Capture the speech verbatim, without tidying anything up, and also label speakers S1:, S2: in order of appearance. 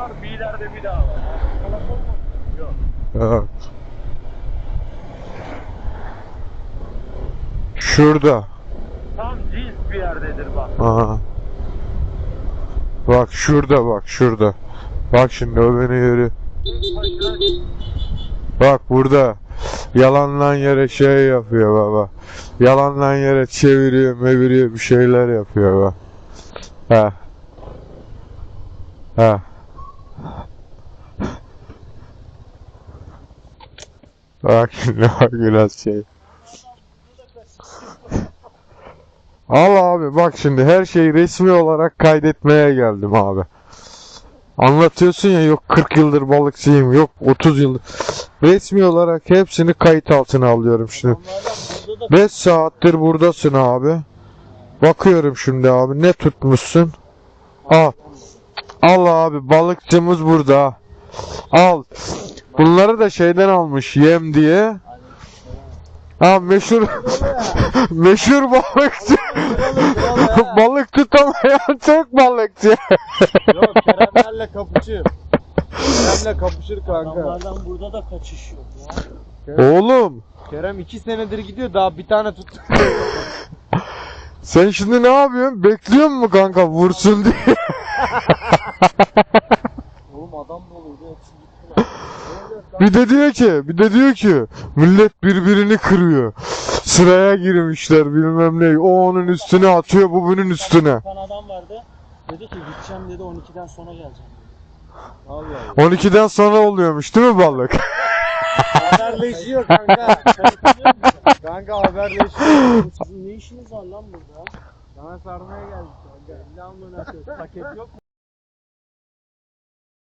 S1: var, bir ileride bir daha var. Yok.
S2: Evet. Şurada.
S1: Tam cins bir yerdedir bak.
S2: Aha. Bak şurada, bak şurada. Bak şimdi o beni yürü. Bak burada. Yalandan yere şey yapıyor baba. Yalandan yere çeviriyor, meviriyor, bir şeyler yapıyor bak. Ha. Ha. Bak şimdi bak biraz şey. Al abi bak şimdi her şeyi resmi olarak kaydetmeye geldim abi. Anlatıyorsun ya yok kırk yıldır balıkçıyım, yok otuz yıldır. Resmi olarak hepsini kayıt altına alıyorum şimdi. beş saattir buradasın abi. Bakıyorum şimdi abi ne tutmuşsun. Al. Al abi balıkçımız burada. Al. Bunları da şeyden almış yem diye. Ha meşhur meşhur balıkçı. Balık tutamayan tek balıkçı.
S3: Yok Keremlerle kapışır. Kerem'le kapışır kanka.
S4: Adamlardan burada da kaçış yok ya.
S2: Oğlum
S3: Kerem iki senedir gidiyor daha bir tane tut.
S2: sen şimdi ne yapıyorsun? Bekliyor musun kanka vursun diye?
S4: Oğlum adam doluydu hepsi gittiler.
S2: Bir de diyor ki, bir de diyor ki millet birbirini kırıyor. Sıraya girmişler bilmem ne. O onun üstüne atıyor, bu bunun üstüne.
S4: Bir tane adam vardı. Dedi ki gideceğim dedi on ikiden sonra geleceğim.
S3: Allah Allah.
S2: on ikiden sonra oluyormuş değil mi balık?
S3: Haberleşiyor kanka. Kanka haberleşiyor.
S4: Sizin ne işiniz var lan burada?
S3: Sana sarmaya geldik kanka. İlla amına koyayım. Paket yok mu?